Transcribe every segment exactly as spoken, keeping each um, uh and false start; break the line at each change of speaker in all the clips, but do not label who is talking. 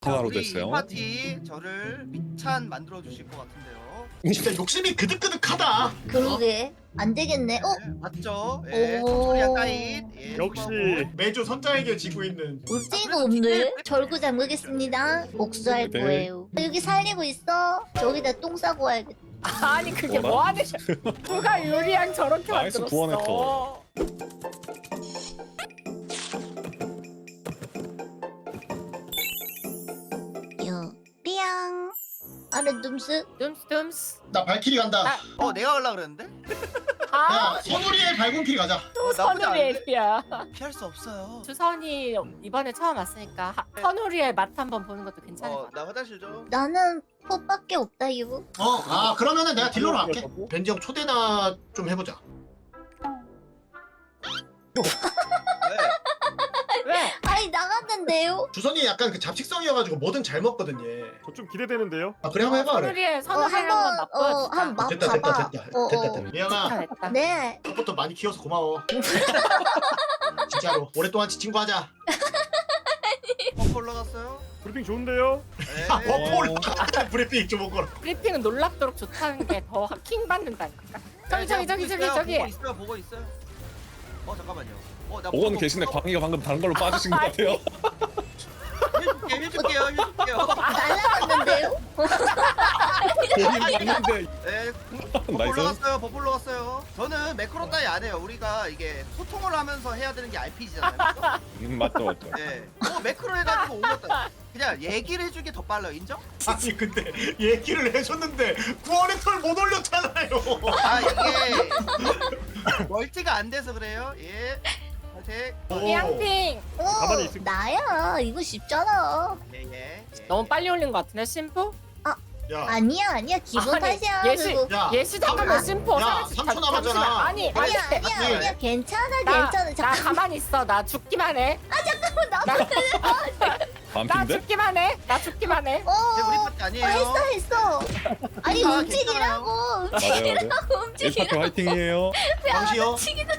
하나로
우리
됐어요.
이 파티 저를 미찬 만들어 주실 것 같은데요.
진짜 욕심이 그득그득하다.
그러게 안 되겠네. 어?
네, 맞죠? 예,
오.
청소리야 따잇. 예,
역시
매주 선장에게 지고 있는.
울지가 없네. 절구 잠그겠습니다. 복수할
네.
거예요. 여기 살리고 있어. 저기다 똥 싸고 와야겠다.
아니 그게
뭐라?
뭐하는 누가 유리양 저렇게
나이스
만들었어.
구원했어.
삐양. 아래 둠스.
둠스둠스.
나 발키리 간다.
아.
어, 내가 가려 그랬는데?
아
야 선우리의 발군키리 가자.
어, 나쁘지
선우리
않은데?
엘피야.
피할 수 없어요.
주선이 이번에 처음 왔으니까 하- 선우리의 맛 한번 보는 것도 괜찮을 것
어,
같아.
나 화장실 좀.
나는 포밖에 없다 이거.
어, 아 그러면은 내가 딜러로 할게. 벤지 형 초대나 좀 해보자.
네.
왜?
아니 나갔는데요?
주선이 약간 그 잡식성이어가지고 뭐든 잘 먹거든 얘.
저 좀 기대되는데요.
아 그래 한번 해봐 그래.
선우리의
어
선우리를 한번
한번 어
맛보여주자.
한번 맛
됐다 됐다
봐봐.
됐다
어,
됐다
어.
됐다. 미영아
됐다.
네.
첫부터 많이 키워서 고마워. 진짜로 오랫동안 지친 거 하자.
버프 올라갔어요?
브리핑 좋은데요?
네.
아 버프 올라가. 브리핑 좀 먹어라.
브리핑은 놀랍도록 좋다는 게 더 킹 받는다니까. 저기 저기 저기 저기
보고
저기.
있어요, 보고 있어요, 보고 있어요. 어, 잠깐만요. 어, 나
오건
보고
계신데
있어.
광희가 방금 다른 걸로 빠지신 것 같아요.
해줄게, 해줄게요, 해줄게요.
날라갔는데요?
본인 맞는데
네, 버프
나이스.
올라갔어요, 버프 올라갔어요. 저는 매크로 따위 안 해요. 우리가 이게 소통을 하면서 해야 되는 게 알피지잖아요.
음, 맞죠 맞죠.
네. 어, 매크로 해가지고 올렸다. 그냥 얘기를 해주기 더 빨라요. 인정?
아니 근데 얘기를 해줬는데 구원의 털 못 올렸잖아요.
아, 이게 멀티가 안 돼서 그래요. 예. 파이팅.
삐양핑.
어
가만히 있을-
나야 이거 쉽잖아.
예, 예. 예.
너무 빨리 올린 것 같은데 심포?
야,
아니야 아니야 기본
아니,
탓이야
예시
그거.
야,
예시 잠깐만
야,
심포.
야,
사라지-
삼 초
잠-
남았잖아.
잠시만. 아니 아니
아니야 아니야
아니.
아니야 괜찮아
나,
괜찮아
나
잠깐
가만히 있어. 나 죽기만 해.
나
나, 나
반핀데?
죽기만 해. 나 죽기만 해.
어
이제 우리 파티 아니에요.
어, 했어 했어 아니
아,
움직이라고
맞아요 맞아요.
움직이라고
일 파티
움직이라고
화이팅이에요.
광시요.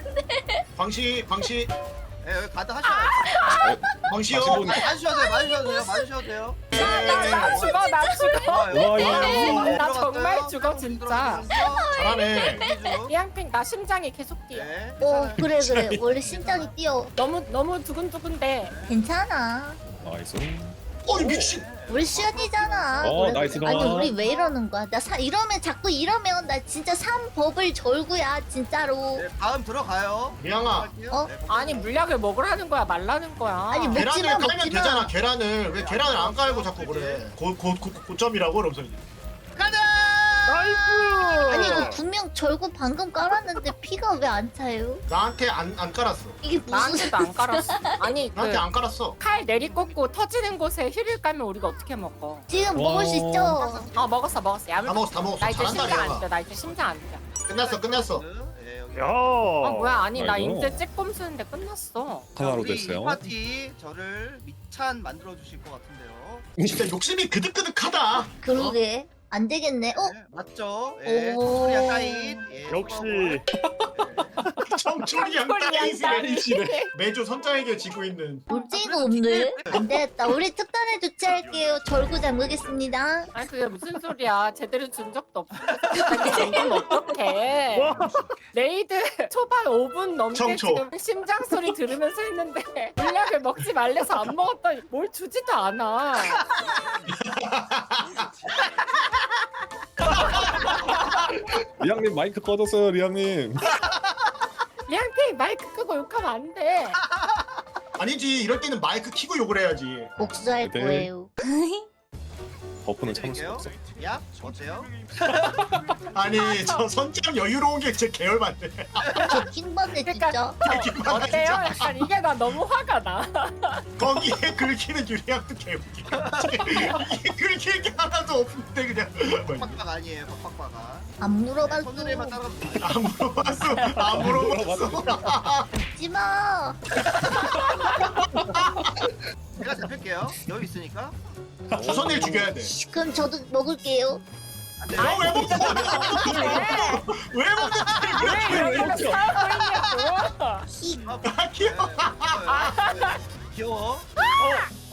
광시 광시
예, 여기 가드 하셔야
광시요.
다시 보니-
돼. 많이 쉬어도 돼요, 많이 쉬어도 돼요, 많이 쉬어도 돼요.
나 죽어. 나 죽어.
아, 여기
와,
들어갔어요.
나
들어갔어요.
정말 죽어, 진짜.
잘하네.
들어갔어요.
삐양핑 나 심장이 계속 뛰어.
네.
어 그래 그래 원래 심장이 뛰어
너무 너무 두근두근데.
괜찮아
나이스.
어이 미친.
우리 시연이잖아
어,
그래,
나이스
그래. 아니
동안.
우리 왜 이러는 거야 나 사, 이러면 자꾸 이러면 나 진짜 삼법을 절구야 진짜로
네, 다음 들어가요.
미양아.
어?
네,
아니 물약을 먹으라는 거야 말라는 거야.
아니, 뭐-
계란을
먹지마,
깔면
먹지마.
되잖아. 계란을 왜 계란을 안 깔고 자꾸 그래? 고고 고점이라고 그러면서 이제.
가자.
나이스!
아니 이거 분명 절구 방금 깔았는데 피가 왜 안 차요?
나한테 안 안 깔았어.
이게 무슨
나한테도 안 깔았어. 아니 그
나한테 안 깔았어.
칼 내리꽂고 터지는 곳에 힐을 깔면 우리가 어떻게 먹어?
지금 먹을 수 있죠?
어 먹었어 먹었어. 야물.
다 먹었어 다 먹었어.
나 이제
잘한다
심장 안
미양아.
뛰어. 나 이제 심장 안 뛰어.
끝났어 끝났어.
예, 여기.
야.
어 뭐야 아니 나
아이고.
인제 찌꼼 쓰는데 끝났어.
하나로
우리
됐어요.
이 파티 저를 미찬 만들어 주실 것 같은데요.
진짜 욕심이 그득그득하다.
그러게 안 되겠네 어?
네, 맞죠? 예,
오.
청소리야 따잇. 예,
역시
청초리 양따이시래. 매주 선장에게 지고 있는.
울지가 없네 안 되겠다 우리 특단에 조치할게요 절구 잠그겠습니다
아니 그게 무슨 소리야? 제대로 준 적도 없어. 이건 어떡해?
와.
레이드 초반 오 분 넘게
청초.
지금 심장 소리 들으면서 했는데 물약을 먹지 말래서 안 먹었더니 뭘 주지도 않아.
리양님 마이크 꺼졌어요 리양님.
리앙테이 마이크 끄고 욕하면 안 돼.
아니지 이럴 때는 마이크 키고 욕을 해야지.
복수할
네.
거예요
버프는 참을 수
드릴게요.
없어.
야, 어때요?
아니 저 선장 여유로운 게 진짜 계열받네.
저 킹받네
그러니까
진짜
저 어때요? 약간 이게 나 너무 화가 나.
거기에 긁히는 유리학도 개웃기. 이게 긁힐 게 하나도 없는데 그냥.
빡빡 아니에요, 빡빡빡아.
안 물어봤어
손으로만 따라.
안 물어봤어. 안 물어봤어.
웃지마
제가 잡힐게요. 여기 있으니까.
주선일 죽여야 돼.
그럼 저도 먹을게요
안 돼요.
왜 먹는 거야? 왜 먹는
왜
거야?
이러면서 싸우고 있냐고.
히
아, 귀여워.
네, 네, 네. 귀여워.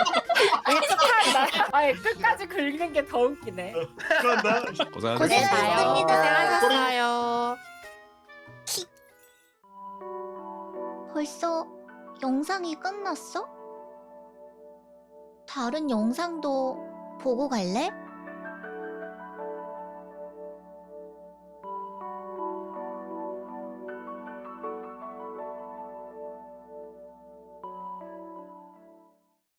아예 끝까지 긁는 게 더 웃기네.
그런다.
고생하셨습니다.
고생하셨습니다.
고생하셨어요.
벌써 영상이 끝났어? 다른 영상도 보고 갈래?